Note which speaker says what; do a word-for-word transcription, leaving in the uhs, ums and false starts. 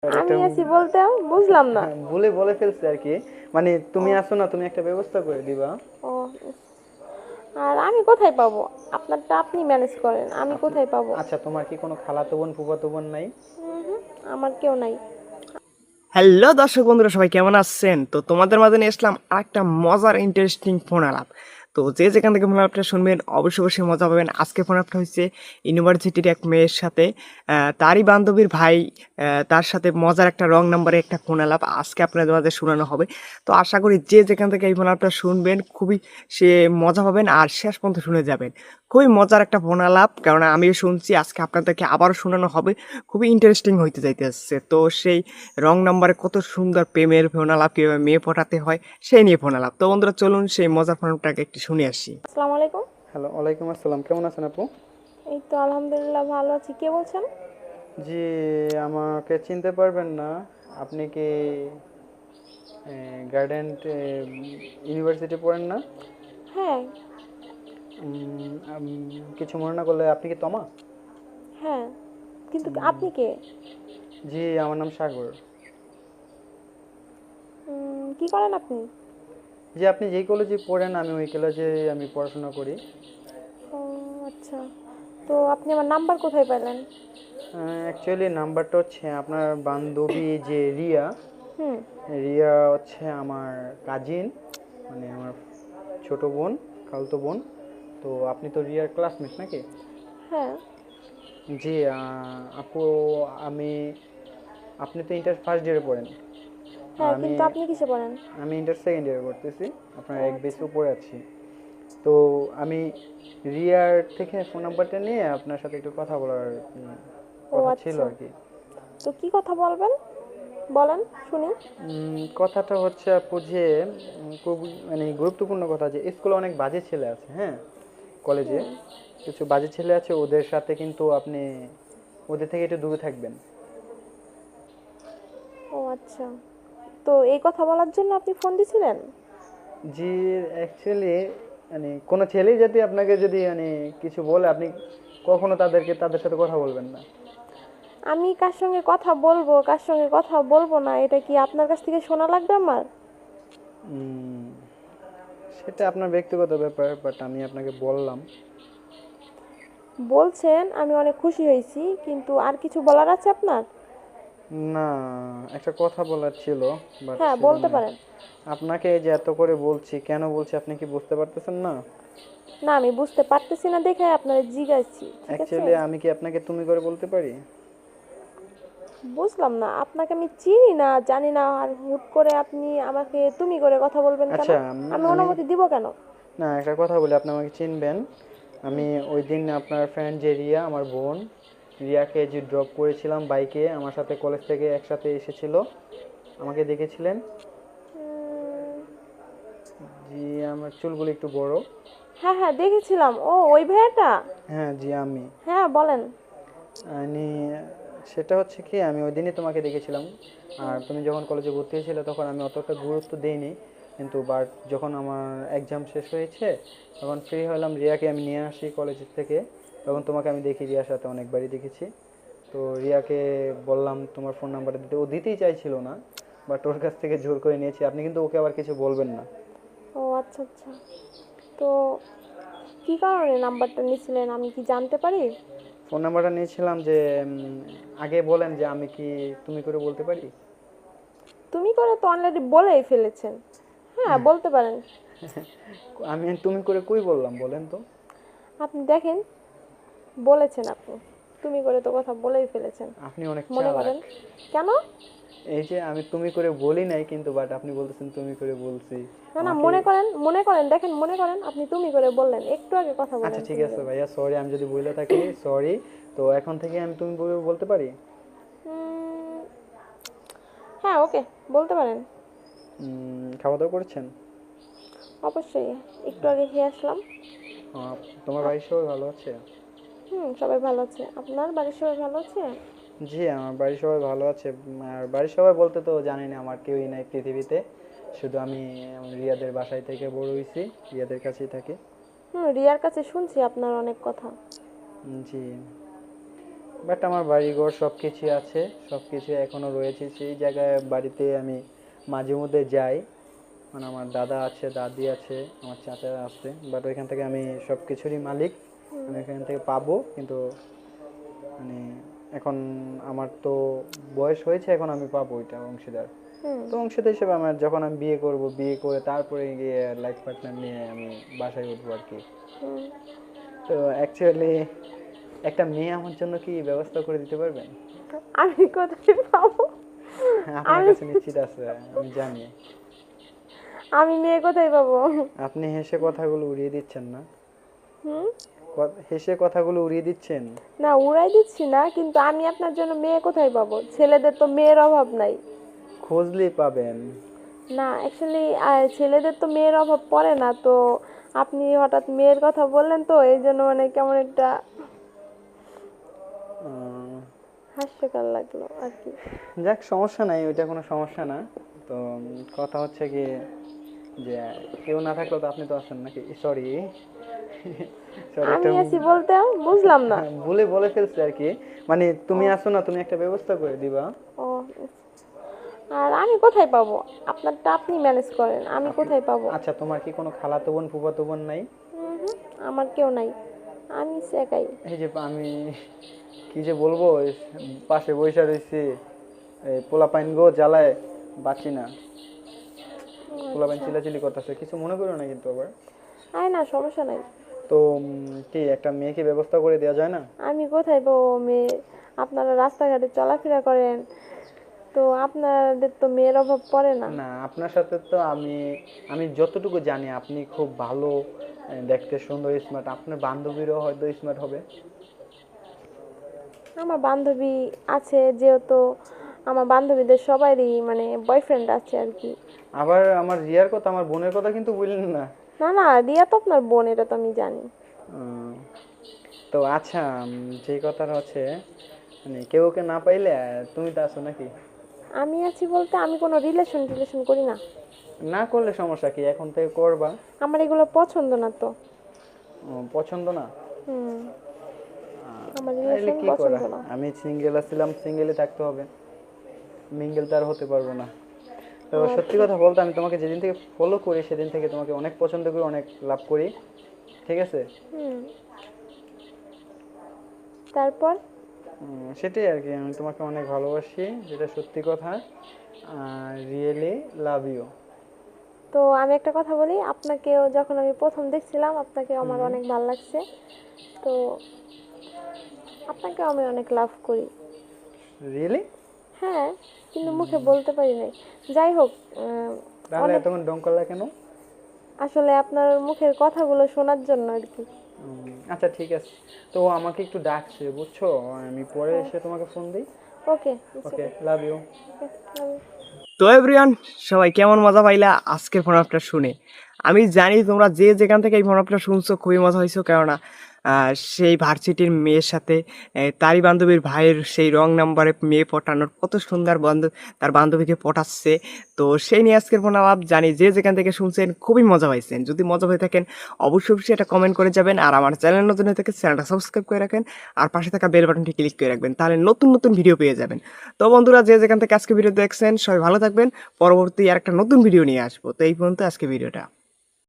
Speaker 1: আর
Speaker 2: আমি
Speaker 1: এটা
Speaker 2: আছি বলতে বুঝলাম না।
Speaker 1: হ্যাঁ, ভুলে বলে ফেলছি আর কি। মানে তুমি
Speaker 2: ও
Speaker 1: আসো না, তুমি একটা ব্যবস্থা করে দিবা।
Speaker 2: ও আর আমি কোথায় পাবো? আপনারটা আপনি ম্যানেজ করেন, আমি
Speaker 1: আপনি
Speaker 2: কোথায় পাবো?
Speaker 1: আচ্ছা, তোমার কি কোনো খালাতো বোন ফুফাতো বোন নাই?
Speaker 2: হুম হুম, আমার কেউ নাই।
Speaker 3: হ্যালো দর্শক বন্ধুরা, সবাই কেমন আছেন? তো তোমাদের মাঝে নিয়ে আসলাম একটা মজার ইন্টারেস্টিং ফোন আলাপ। তো যে যেখান থেকে ফোন আলাপটা শুনবেন অবশ্যই অবশ্যই মজা পাবেন। আজকে ফোন আলাপটা হচ্ছে ইউনিভার্সিটির এক মেয়ের সাথে, আহ, তারই বান্ধবীর ভাই, আহ, তার সাথে মজার একটা রং নাম্বারে একটা ফোন আলাপ আজকে আপনাদের মাঝে শোনানো হবে। তো আশা করি যে যেখান থেকে এই ফোন আলাপটা শুনবেন খুবই সে মজা পাবেন আর শেষ পর্যন্ত শুনে যাবেন। খুবই মজার একটা ফোন আলাপ, কারণ আমিও শুনছি, আজকে আপনাদেরকে আবারও শোনানো হবে। খুবই ইন্টারেস্টিং হইতে যাইতেছে। তো সেই রং নাম্বারে কত সুন্দর প্রেমের ফোন আলাপ, কীভাবে মেয়ে পটাতে হয় সেই নিয়ে ফোন আলাপ। তো বন্ধুরা চলুন সেই মজার ফোনটাকে একটু শুনে আসি।
Speaker 2: আসসালামু আলাইকুম।
Speaker 1: হ্যালো, ওয়ালাইকুম আসসালাম। কেমন আছেন আপু?
Speaker 2: এই তো আলহামদুলিল্লাহ ভালো আছি। কে বলছেন?
Speaker 1: জি, আমাকে চিনতে পারবেন না। আপনি কি গার্ডেন ইউনিভার্সিটি পড়েন না?
Speaker 2: হ্যাঁ।
Speaker 1: উম, আম, কিছু মনে না করলে আপনি কি তমা?
Speaker 2: হ্যাঁ, কিন্তু
Speaker 1: উম,
Speaker 2: আপনি কে?
Speaker 1: জি, আমার নাম সাগর।
Speaker 2: উম, কি করেন আপনি?
Speaker 1: জি, আপনি যেই কলেজে পড়েন আমি ওই কলেজে আমি পড়াশোনা করি।
Speaker 2: ও আচ্ছা, তো আপনি আমার নাম্বার কোথায় পেলেন?
Speaker 1: অ্যাকচুয়ালি নাম্বারটা হচ্ছে আপনার বান্ধবী যে রিয়া,
Speaker 2: হুম।
Speaker 1: রিয়া হচ্ছে আমার কাজিন, মানে আমার ছোট বোন, খালতো বোন। তো আপনি তো রিয়ার ক্লাসমেট নাকি?
Speaker 2: হ্যাঁ।
Speaker 1: জি, আহ, আপু, আমি আপনি তো ইন্টার ফার্স্ট ইয়ারে পড়েন, আর
Speaker 2: হ্যাঁ,
Speaker 1: আমি
Speaker 2: কিন্তু আপনি কিসে পড়েন?
Speaker 1: আমি ইন্টার সেকেন্ড ইয়ারে পড়তেছি। আপনার
Speaker 2: ও
Speaker 1: এক বেস
Speaker 2: আচ্ছা।
Speaker 1: উপরে আছি। তো আমি রিয়ার থেকে ফোন নাম্বারটা নিয়ে আপনার সাথে একটু কথা বলার উম,
Speaker 2: ও
Speaker 1: কথা ছিল
Speaker 2: আচ্ছা,
Speaker 1: আর কি।
Speaker 2: তো কি কথা বলবেন, বলেন শুনি।
Speaker 1: উম, কথাটা হচ্ছে আপু যে উম, খুব মানে গুরুত্বপূর্ণ কথা, যে স্কুলে অনেক বাজে ছেলে আছে, হ্যাঁ, কলেজে
Speaker 2: হুম।
Speaker 1: কিছু বাজে ছেলে আছে, ওদের সাথে কিন্তু আপনি ওদের থেকে একটু দূরে থাকবেন।
Speaker 2: ও আচ্ছা, তো এই কথা বলার জন্য আপনি ফোন দিছিলেন?
Speaker 1: জি, অ্যাকচুয়ালি মানে কোনো ছেলেই যদি আপনাকে যদি মানে কিছু বলে, আপনি কখনো তাদেরকে তাদের সাথে কথা বলবেন না।
Speaker 2: আমি কার সঙ্গে কথা বলবো কার সঙ্গে কথা বলবো না, এটা কি আপনার কাছ থেকে শোনা লাগবে আমার?
Speaker 1: উম, সেটা আপনার ব্যক্তিগত ব্যাপার, বাট আমি আপনাকে বললাম।
Speaker 2: বলছেন, আমি অনেক খুশি হয়েছি, কিন্তু আর কিছু বলার আছে আপনার?
Speaker 1: না, একটা কথা বলার ছিল, বাট
Speaker 2: হ্যাঁ, বলতে
Speaker 1: সেজন্য
Speaker 2: পারেন।
Speaker 1: আপনাকে এই যে এত করে বলছি, কেন বলছি আপনি কি বুঝতে পারতেছেন না?
Speaker 2: না, আমি বুঝতে পারতেছি না দেখে আপনারা জিজ্ঞাসি, ঠিক আছে?
Speaker 1: অ্যাকচুয়ালি আমি কি আপনাকে তুমি করে বলতে পারি?
Speaker 2: বুঝলাম না, আপনাকে আমি চিনি না জানি না, আর হুট করে আপনি আমাকে তুমি করে কথা বলবেন কেন?
Speaker 1: আচ্ছা, উম,
Speaker 2: আমি
Speaker 1: আমি
Speaker 2: অনুমতি দিব কেন?
Speaker 1: না, একটা কথা বলি, আপনি আমাকে চিনবেন। আমি ওই দিন আপনার ফ্রেন্ড যে রিয়া, আমার বোন রিয়াকে যে ড্রপ করেছিলাম বাইকে, আমার সাথে কলেজ থেকে একসাথে এসেছিল, আমাকে দেখেছিলেন?
Speaker 2: উম,
Speaker 1: জি, আমার চুলগুলো একটু বড়।
Speaker 2: হ্যাঁ হ্যাঁ, দেখেছিলাম। ও ওই ভাইয়াটা?
Speaker 1: হ্যাঁ, জি আমি।
Speaker 2: হ্যাঁ বলেন।
Speaker 1: আমি সেটা হচ্ছে কি, আমি ওই দিনই তোমাকে দেখেছিলাম। আর
Speaker 2: হুম।
Speaker 1: তুমি যখন কলেজে ভর্তি হয়েছিলে তখন আমি অতটা গুরুত্ব দেইনি, কিন্তু বাট যখন আমার এক্সাম শেষ হয়েছে তখন ফ্রি হলাম, রিয়াকে আমি নিয়ে আসি কলেজ থেকে, তখন তোমাকে আমি দেখি রিয়ার সাথে, অনেকবারই দেখেছি। তো রিয়াকে বললাম তোমার ফোন নাম্বারটা দিতে, ও দিতেই চাইছিল না, বাট ওর কাছ থেকে জোর করে নিয়েছি। আপনি কিন্তু ওকে আবার কিছু বলবেন না।
Speaker 2: ও আচ্ছা আচ্ছা, তো কি কারণে নাম্বারটা নিছিলেন আমি কি জানতে পারি?
Speaker 1: ফোন নাম্বারটা নিয়েছিলাম যে উম, আগে বলেন যে আমি কি তুমি করে বলতে পারি?
Speaker 2: তুমি করে তো অলরেডি বলেই ফেলেছেন। হ্যাঁ, বলতে পারেন।
Speaker 1: আমি তুমি করে কই বললাম বলেন তো?
Speaker 2: আপনি দেখেন, বলেছেন আপনি, তুমি করে তো কথা বলেই ফেলেছেন।
Speaker 1: আপনি অনেক
Speaker 2: মনে
Speaker 1: চালাক।
Speaker 2: করেন। কেন?
Speaker 1: এই যে আমি তুমি করে বলি নাই, কিন্তু বাট আপনি বলতেছেন তুমি করে বলছি
Speaker 2: না না,
Speaker 1: আমাকে।
Speaker 2: মনে করেন, মনে করেন, দেখেন, মনে করেন আপনি তুমি করে বললেন, একটু আগে কথা
Speaker 1: আচ্ছা
Speaker 2: বলেন
Speaker 1: ঠিক
Speaker 2: তুমি
Speaker 1: আছে
Speaker 2: করে।
Speaker 1: ভাইয়া, সরি, আমি যদি বলে থাকি সরি। তো এখন থেকে আমি তুমি করে বলতে পারি?
Speaker 2: উম, হ্যাঁ ওকে, বলতে পারেন।
Speaker 1: উম, খাওয়া দাওয়া করেছেন?
Speaker 2: অবশ্যই, একটু আগে খেয়ে আসলাম।
Speaker 1: আহ, তোমার
Speaker 2: আপ-
Speaker 1: বাড়ির সবাই ভালো আছে?
Speaker 2: হুম, সবাই ভালো আছে। আপনার বাড়ির সবাই ভালো আছে?
Speaker 1: জি, আমার বাড়ির সবাই ভালো আছে। উম, আর বাড়ির সবাই বলতে তো জানি না, আমার কেউই নাই পৃথিবীতে, শুধু আমি আমার রিয়াদের বাসায় থেকে বড় হয়েছি, রিয়াদের কাছেই থাকি।
Speaker 2: হুম, রিয়ার কাছে শুনছি আপনার অনেক কথা।
Speaker 1: উম, জি। বাট আমার বাড়িঘর সব কিছু আছে, সব কিছু এখনও রয়েছে সেই জায়গায়। বাড়িতে আমি মাঝে মধ্যে যাই, মানে আমার দাদা আছে, দাদি আছে, আমার চাচারা আছে, বাট ওইখান থেকে আমি সব কিছুরই মালিক, আমি এখান থেকে পাবো। কিন্তু মানে এখন আমার তো বয়স হয়েছে, এখন আমি পাবো ওইটা অংশীদার।
Speaker 2: হুম
Speaker 1: তো অংশীদার হিসেবে আমার যখন আমি বিয়ে করব, বিয়ে করে তারপরে গিয়ে লাইফ পার্টনার নিয়ে আমি বাসায় উঠবো আর কি।
Speaker 2: হুম।
Speaker 1: তো অ্যাকচুয়ালি একটা মেয়ে আমার জন্য কি ব্যবস্থা করে দিতে পারবেন?
Speaker 2: আমি কোথায় পাবো?
Speaker 1: আপনার
Speaker 2: আমি
Speaker 1: কাছে নিশ্চিত আছে, আমি জানি।
Speaker 2: আমি মেয়ে কোথায় পাবো?
Speaker 1: আপনি হেসে কথাগুলো উড়িয়ে দিচ্ছেন না?
Speaker 2: হুম।
Speaker 1: ক- হেসে কথাগুলো উড়িয়ে দিচ্ছেন।
Speaker 2: না, উড়াই দিচ্ছি না, কিন্তু আমি আপনার জন্য মেয়ে কোথায় পাবো? ছেলেদের তো মেয়ের অভাব নাই।
Speaker 1: খুঁজলেই পাবেন।
Speaker 2: না, অ্যাকচুয়ালি ছেলেদের তো মেয়ের অভাব পড়ে না, তো আপনি হঠাৎ মেয়ের কথা বললেন, তো এই জন্য মানে কেমন একটা
Speaker 1: উম,
Speaker 2: হাস্যকর লাগলো আর কি।
Speaker 1: যাক, সমস্যা নাই, ওইটা কোনো সমস্যা না। তো উম, কথা হচ্ছে কি, যে কেউ না থাকলেও তো আপনি তো আছেন নাকি? সরি সরি,
Speaker 2: আমি
Speaker 1: একটা
Speaker 2: আছি বলতে বুঝলাম না।
Speaker 1: ভুলে বলে ফেলছি আর কি। মানে তুমি আছো না, তুমি একটা ব্যবস্থা করে দিবা।
Speaker 2: ও, আর আমি কোথায় পাবো? আপনারটা আপনি ম্যানেজ করেন, আমি কোথায় পাবো?
Speaker 1: আচ্ছা, তোমার কি কোনো খালাতো বোন, ফুফাতো বোন নাই?
Speaker 2: হুম হুম, আমার কেউ নাই, আমি একাই।
Speaker 1: এই যে আমি কি যে বলবো, এই পাশে বৈশা রয়েছি, এই পোলাপাইন গো জ্বালায় বাঁচি না। পোলাপাইন চিলাচিলি করতেছে, কিছু মনে করো না কিন্তু আবার।
Speaker 2: আয় না, সমস্যা নাই।
Speaker 1: তো উম, কি একটা মেয়েকে ব্যবস্থা করে দেওয়া যায় না?
Speaker 2: আমি কোথায় পাবো মেয়ে? আপনারা রাস্তাঘাটে চলাফেরা করেন, তো আপনাদের তো মেয়ের অভাব পড়ে না।
Speaker 1: না, আপনার সাথে তো আমি আমি যতটুকু জানি আপনি খুব ভালো, আহ, দেখতে সুন্দর, স্মার্ট। আপনার বান্ধবীরও হয়তো স্মার্ট হবে।
Speaker 2: আমার বান্ধবী আছে, যেহেতু আমার বান্ধবীদের সবারই মানে বয়ফ্রেন্ড আছে আর কি।
Speaker 1: আবার আমার রিয়ার কথা, আমার বোনের কথা কিন্তু বললেন না।
Speaker 2: না না, রিয়া তো আপনার বোন, এটা তো আমি জানি।
Speaker 1: উম, তো আচ্ছা, উম, যে কথাটা হচ্ছে, মানে কেউ কে না পাইলে আহ, তুমি তো আছো নাকি?
Speaker 2: আমি আছি বলতে আমি কোনো রিলেশন টিলেশন করি না।
Speaker 1: না করলে সমস্যা কি, এখন থেকে করবা।
Speaker 2: আমার এগুলো পছন্দ না তো।
Speaker 1: উম, পছন্দ না?
Speaker 2: হুম, আমার
Speaker 1: তাহলে
Speaker 2: রিলেশন
Speaker 1: কি করা,
Speaker 2: পছন্দ না।
Speaker 1: আমি সিঙ্গেল আছিলাম, সিঙ্গেলই থাকতে হবে, মিঙ্গেল তো আর হতে পারবো না। তো সত্যি কথা বলতে, আমি তোমাকে যেদিন থেকে ফলো করি সেদিন থেকে তোমাকে অনেক পছন্দ করি, অনেক লাভ করি, ঠিক আছে?
Speaker 2: হুম, তারপর
Speaker 1: উম, সেটাই আর কি, আমি তোমাকে অনেক ভালোবাসি, যেটা সত্যি কথা। Really love you.
Speaker 2: তো আমি একটা কথা বলি, আপনাকেও যখন আমি প্রথম দেখছিলাম আপনাকে আমার অনেক ভালো লাগছে, তো আপনাকেও আমি অনেক লাভ করি।
Speaker 1: রিয়েলি?
Speaker 2: হ্যাঁ, কিন্তু মুখে বলতে পারি নাই। যাই হোক, উম,
Speaker 1: তাহলে এতক্ষণ ডং করলা কেন?
Speaker 2: আসলে আপনার মুখের কথাগুলো শোনার জন্য আর কি।
Speaker 1: উম, আচ্ছা ঠিক আছে। তো ও আমাকে একটু ডাকছে, বুঝছো, আমি পরে এসে তোমাকে ফোন দিই।
Speaker 2: ওকে,
Speaker 1: ওকে, লাভ ইউ।
Speaker 3: তো এভরিওয়ান, সবাই কেমন মজা পাইলা আজকের ফোন আপটা শুনে? আমি জানি তোমরা যে যেখান থেকে এই ফোন আপটা শুনছো খুবই মজা হয়েছো, কেননা আহ, সেই ভার্সিটির মেয়ের সাথে আহ, তারই বান্ধবীর ভাইয়ের সেই রং নাম্বারে মেয়ে পটানোর কত সুন্দর বান্ধব তার বান্ধবীকে পটাচ্ছে। তো সেই নিয়ে আজকের ফোন আপ, জানি যে যেখান থেকে শুনছেন খুবই মজা পাইছেন। যদি মজা হয়ে থাকেন অবশ্যই অবশ্যই এটা কমেন্ট করে যাবেন, আর আমার চ্যানেল নতুন হয়ে থাকে চ্যানেলটা সাবস্ক্রাইব করে রাখেন, আর পাশে থাকা বেল বাটনটি ক্লিক করে রাখবেন, তাহলে নতুন নতুন ভিডিও পেয়ে যাবেন। তো বন্ধুরা, যে যেখান থেকে আজকে ভিডিও দেখছেন সবাই ভালো থাকবেন। পরবর্তী আর একটা নতুন ভিডিও নিয়ে আসবো। তো এই পর্যন্ত আজকে ভিডিওটা।